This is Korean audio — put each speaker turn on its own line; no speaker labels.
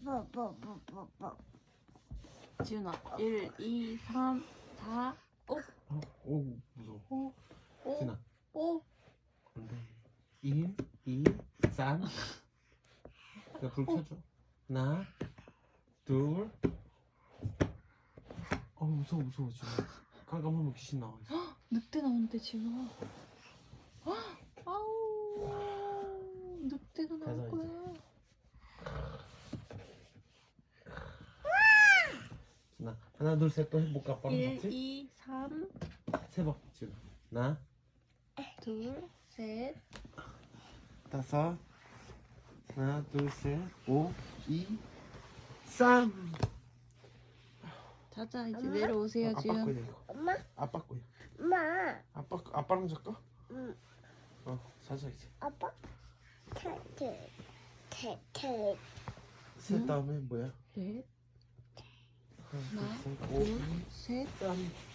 지훈아 1, 2, 3, 4, 5.
오 무서워.
5,
진아
5.
안돼. 1, 2, 3. 내가 불 켜줘. 하나 둘. 무서워 지금. 깜깜하면 귀신 나와 있어.
늑대 나오는데 지금. 아우 늑대가
가자,
나올
이제.
거야.
진아 하나 둘 셋 또 해볼까? 아빠랑
1,
같이?
2, 3,
세봐 지금. 하나
2, 셋.
다섯. 하나 둘 셋 5, 2, 3.
자자 이제 내려오세요
아빠
지훈.
거야 이거.
엄마,
아빠 거야.
엄마,
아빠랑 잘까?
응,
자자 이제.
아빠, 태,
셋 다음에 뭐야?
넷,
하나
하나,
둘 셋 5,
둘,
2,
셋.
3.